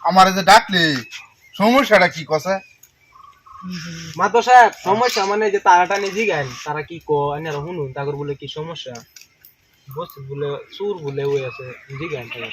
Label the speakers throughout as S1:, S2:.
S1: আমার যে ডাকলি সমস্যাটা কি কসে?
S2: মাতো সাহেব সমস্যা মানে যে তারাটা নিয়ে জিগান তারা কি কো আনারা শুনুন তাগর বলে কি সমস্যা বস বলে সুর বলে ওই আছে জিগান তারা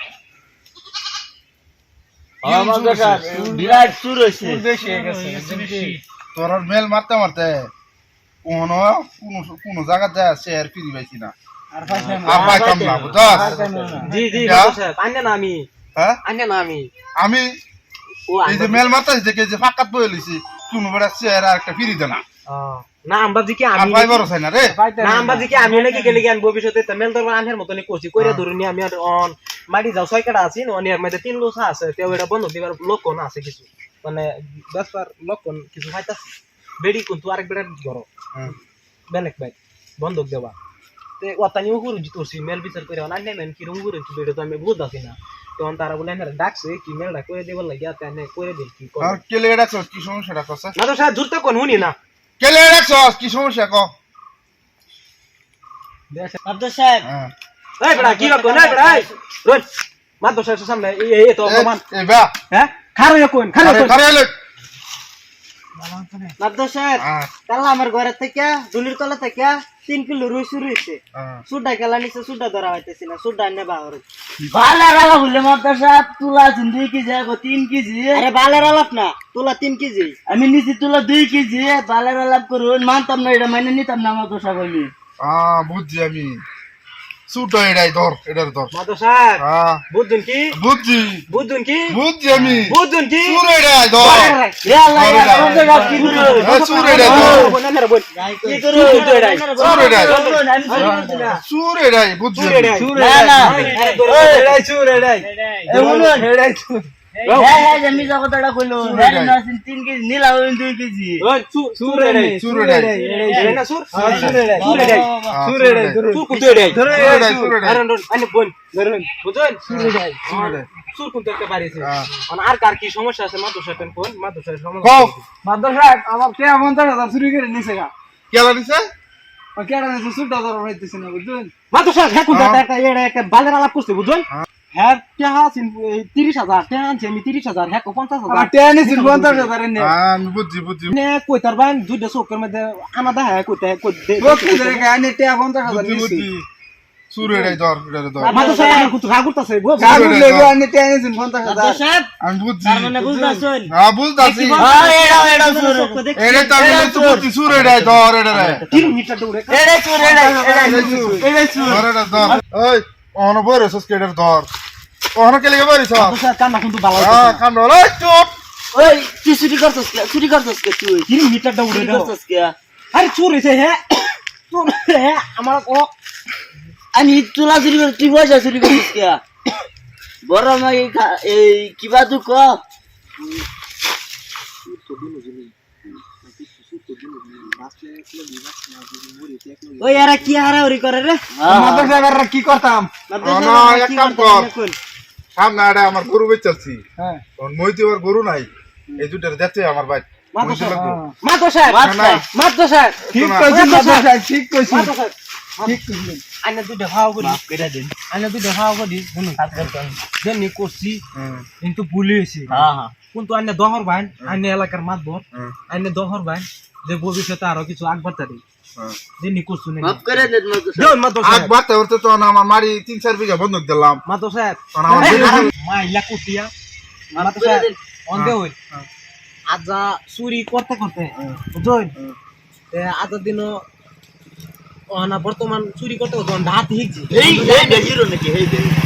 S3: আমাদের বিরাট সুর হইছে
S2: বেশি হয়ে গেছে
S1: তোর মেল মারতে মারতে কোন কোন জায়গা যায় শেয়ার ফিরি পাইছি না আর পাইতাম না বুঝছস?
S2: জি জি মাতো সাহেব আন্না না আমি
S1: হ্যাঁ
S2: আন্না না আমি
S1: আমি
S2: ও
S1: এই যে মেল মারতেছি দেখে যে ফাঁকাত বয়ে লইছি কোন বেড়া শেয়ার আর একটা ফিরি দে না
S2: না আমবাজি কি
S1: আর
S2: আমি
S1: পাইবারও চাই না রে।
S2: না আমবাজি কি আমি নাকি গেলে জ্ঞান ভবিষ্যতে তেমেল দরবার আনহের মতনই করছি কইরা ধরুনি আমি আর অন মাটি যাও ছয় কাটা আছি অনিয়ার মধ্যে 3 লোসা আছে তেও এটা বন্ধ দিবার লক্ষণ আছে কিছু মানে দশবার লক্ষণ কিছু খাইতাছি বেড়ি কিন্তু আরেক বেড়ার ধরো বেলেক ভাই বন্ধক দেওয়া তে ওতানি উগুর জিতছি মেল বিচার করে না নেন কি রুগুর কি বেড়ে তো আমি বুঝতাছি না তখন তারা বলে না ডাকছে কি মেলটা করে দেবার লাগিয়া তানে করে দিল কি
S1: আর কেলে রাখছস কি সমস্যাটা কসে?
S2: না তো সাহেব জুরতে কোন হুনি না
S1: কেলে রাখছস কি সমস্যা ক?
S3: আব্দুল সাহেব
S1: হ্যাঁ
S2: এই বেড়া কি কোন এই বেড়া এই রোজ মাতো সাহেব সামনে এই তো অপমান
S1: এ বা
S2: হ্যাঁ খারো কোন খারো
S1: আরে
S2: কোন
S1: খারে লে
S3: আব্দুল সাহেব
S1: হ্যাঁ
S3: কাল আমার ঘরে থেকে দুলির তলা থেকে 3 কিলো রুই শুরু হইছে সুডা গেলা নিচে সুডা ধরা হইতেছে না সুডা নে বাহর বালের আলাপ হইলে মাদ্দার সাহেব তুলা 2 কেজি গো 3 কেজি আরে বালের আলাপ না তুলা 3 কেজি আমি নিচে তুলা 2 কেজি বালের আলাপ করুন মানতাম না এটা মাইনে নিতাম না মাদ্দার সাহেব আমি
S1: বুঝছি আমি সুটো এটাই ধর এটার ধর
S2: মাতো সাহেব
S1: হ্যাঁ
S2: বুঝুন কি
S1: বুঝছি
S2: বুঝুন কি
S1: বুঝছি আমি
S2: বুঝুন কি
S1: সুর এটাই ধর
S3: এ আল্লাহ
S1: ধরে দাও।
S3: মাদ্দার সাহেব কি করুন
S1: সুর এটাই ধর
S2: বল না বল
S3: কি করুন
S1: সুর এটাই
S3: আমি শুনতে না
S1: সুর এটাই বুঝছি
S2: সুর এটাই
S3: না না
S2: এটাই সুর এটাই
S3: এ বলুন
S2: এটাই সুর
S3: হ্যাঁ হ্যাঁ আমি জগতটা কইলো হ্যাঁ না 3 কেজি নিলা 2 কেজি
S2: ওই সুর এটাই
S1: সুর এটাই
S2: এটাই না সুর সুর এটাই সুর এটাই
S1: সুর এটাই
S2: সুর কুতো এটাই
S1: সুর এটাই সুর এটাই
S2: আরে আরে বল ধরুন বুঝুন সুর এটাই
S1: সুর এটাই
S2: সুর কুতো একটা পারিছে
S1: হ্যাঁ।
S2: আর কার কি সমস্যা আছে মাতো সাহেব কোন মাতো সাহেব সমস্যা
S1: কও
S4: মাদ্রাস সাহেব আমার কে 50,000 চুরি করে নিছে গা
S1: কেলা দিছে
S4: কেডা নিছে সুটা ধরা হইতেছে না বুঝছেন
S2: মাতো সাহেব হ্যাঁ কোনটা একটা এটা একটা বালের আলাপ করছে বুঝুন হ্যাঁ টাকা আছেন 30,000 টাকা আনছে আমি 30,000 হ্যাঁ 50,000
S4: আমার টেয়া নিছে 50,000 নে
S1: আমি বুঝছি বুঝছি
S2: নে কইতার বান দুইটা চোখের মধ্যে আনা দেখা কইতে
S4: বক্তি ধরে গানে টেয়া 50,000
S1: বুঝছি
S4: নিছে
S1: বুঝছি সুর এটাই ধর এটাই ধর
S2: মাতো সাহেব আমার কুতো রাগ করতেছে
S4: কাগজ লেগো আনে টেয়া নিছে 50,000
S3: আব্দুল সাহেব
S1: আমি বুঝছি
S3: তার মানে বুঝতাছেন
S1: হ্যাঁ বুঝতাছি
S3: হ্যাঁ এটা সুর
S1: এটাই তো আমি বুঝছি সুর এটাই ধর এটাই
S2: 3 মিটার দৌড়ে
S3: এটা সুর এটা সুর
S1: ধর এটা ধর ওই অন বরে সস্কেটার ধর অন কে লাগে বরিস
S2: মাতো সাহেব কান্না কিন্তু ভালো
S1: হ্যাঁ কান্ড ওই চুপ
S3: ওই তুই চুরি করছস কে তুই
S2: 3 মিটার দৌড়ে
S3: চুরি করছস কে
S2: আরে চোর হইছে হ্যাঁ চোর হ্যাঁ আমার ও
S3: আমি তুলা চুরি করে তুই পয়সা চুরি করছস কে বড় মাই এই কিবা তুই ক ওই এরা কি হারাহারি করে রে
S4: মাদ্রাস সাহেব কি করতাম
S1: না এক কাম কর সামনে আড়ে আমার গরু বেচাচ্ছি
S4: হ্যাঁ
S1: তখন মইতে আর গরু নাই এই দুটার দেখতে আমার ভাই মইতে লাগবো
S2: মাতো সাহেব মাতো সাহেব
S4: ঠিক কইছেন মাদ্রাস সাহেব ঠিক কইছেন
S2: মাতো সাহেব
S4: ঠিক কইছেন
S2: আইনা দুইটা ভাও করি কইরা দেন আইনা দুইটা ভাও করি শুনুন দেন করছি কিন্তু ভুলে হইছে
S3: হ্যাঁ হ্যাঁ
S2: কিন্তু আইনা দহর ভাই আইনা এলাকার মাতবর আইনা দহর ভাই যে ভবিষ্যতে আরো কিছু আগবাড়তারি দেন করছু না
S3: মাফ করে দেন মাদ্রাস
S2: দেন মাতো
S1: আগ
S2: সাহেব
S1: বাড়তে বাড়তে তো আমার মারি 3-4 বিঘা বন্ধক দিলাম
S2: মাতো সাহেব
S1: তখন আমার
S2: মাইলা কুটিয়া
S3: মাফ
S2: মাতো
S3: করে
S2: সাহেব
S3: দেন
S2: অন্ধে হই আজা চুরি করতে করতে বুঝুন আজা দিনও না বর্তমান চুরি করতে করতে ডাত হিকছি
S3: এই বেজিরো নাকি এই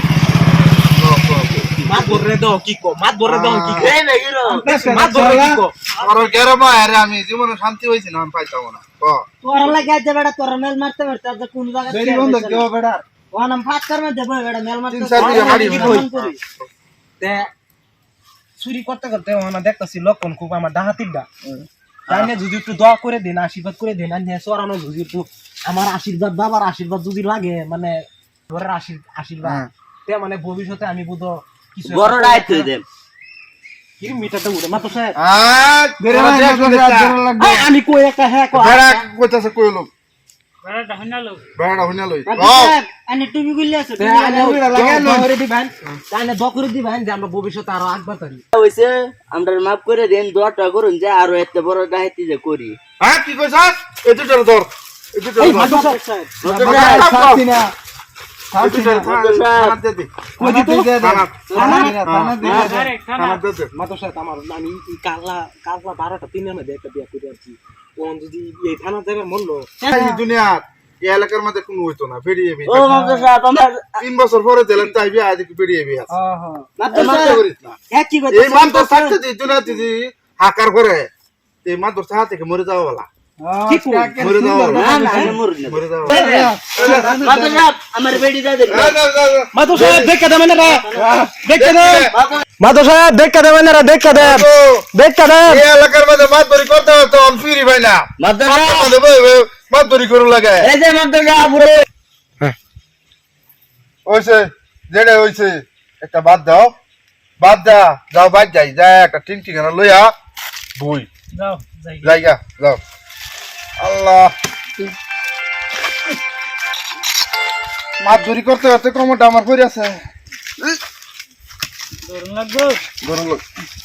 S2: মাত বর্রে দাও কি কো মাত বর্রে দাও কি কো
S3: এই বেজিরো
S2: মাত বর্রে কি কো
S1: আর গেরমা আরে আমি জীবনে শান্তি হইছি না আমি পাইতাম না ক
S3: তোর লাগে আজ বেটা তোর মেল মারতে মারতে আজ কোন জায়গা
S4: বেরি বন্ধ কেও বেটা
S3: ও নাম ফাট করমে দেব বেটা মেল মারতে
S1: 3-4 বিঘা মারি
S2: তে চুরি করতে করতে ওনা দেখতাছি লক্ষণ খুব আমার ডাহাতিরটা তাইনে যদি একটু দোয়া করে দেন আশীর্বাদ করে দেন আনে সরানো যদি একটু আমার আশীর্বাদ বাবার আশীর্বাদ যদি লাগে মানে ঘরের আশীর্বাদ তে মানে ভবিষ্যতে আমি বুঝো কিছু
S3: বড় দায়িত্ব দেব
S2: কি মিটারটা উড়ে মাত্র স্যার
S1: আ
S4: বেরে মাদ্রাস সাহেব লাগবে
S2: আমি কই একটা হ্যাঁ কই
S1: বেড়া কইতাছে কইলো বেড়া হইনা লই
S3: আনে টুপি গুলি আছে
S2: দকরে দিবেন যে আমরা ভবিষ্যতে আরো আগবার পারি
S3: হইছে আমরা মাফ করে দেন দোয়াটা করুন যে আরো এত বড় ডাইতি যে করি
S1: হ্যাঁ কি কইছাস এতুটার ধর এতুটার
S2: এই
S1: ধর
S2: মাদুর সাহেব
S4: শান্তি না শান্তি না
S1: থানাত দে দে
S4: কই দিতে দে
S1: থানাত
S4: থানাত দে
S1: থানাত দে দে
S2: মাদুর সাহেব আমার আমি এই কাললা 12টা তিনের মধ্যে একটা বিয়া করে আছি কোন যদি এই থানা যাবার মন লো
S1: এই দুনিয়া এই এলাকার মধ্যে কোনো হইতো না বেরিয়ে বি
S3: ও মাদ্রাস সাহেব আমার
S1: 3 বছর পরে দিলেন তাই বিয়া আজ বেরিয়ে বি আছে
S4: হ্যাঁ হ্যাঁ
S3: মাদ্রাস সাহেব এক কি কথা
S1: এই মান তো থাকতে দি দুনিয়া দিদি হাকার করে এই মান তো সাথে থেকে মরে যাওয়া বলা
S4: কি
S1: মরে যাওয়া
S3: না না আমি মরি না
S1: মরে যাওয়া
S3: মাদ্রাস সাহেব আমার বেডি দা দেন
S2: মাদুর সাহেব দেখা দেবেন না দেখা দেন মাদুর সাহেব দেখা দেবেন না দেখা দেন দেখা দেন
S1: এই এলাকার মধ্যে মাতবরি করতে হতো অন ফিরি ভাই না
S3: মাদ্রাস সাহেব
S1: মাতবরি করু লাগে
S3: এই যে মাদ্রাস সাহেব পুরো
S1: ওইছে যেটা হইছে একটা বাদ দাও বাদ দা যাও বাদ যাই যা একটা টিন ঠিকানা লইয়া বই
S2: যাও যাই
S1: জায়গা যাও আল্লাহ মাতবরি করতে করতে ক্রমটা আমার পড়ে আছে
S2: লাগবো
S1: গরম লোক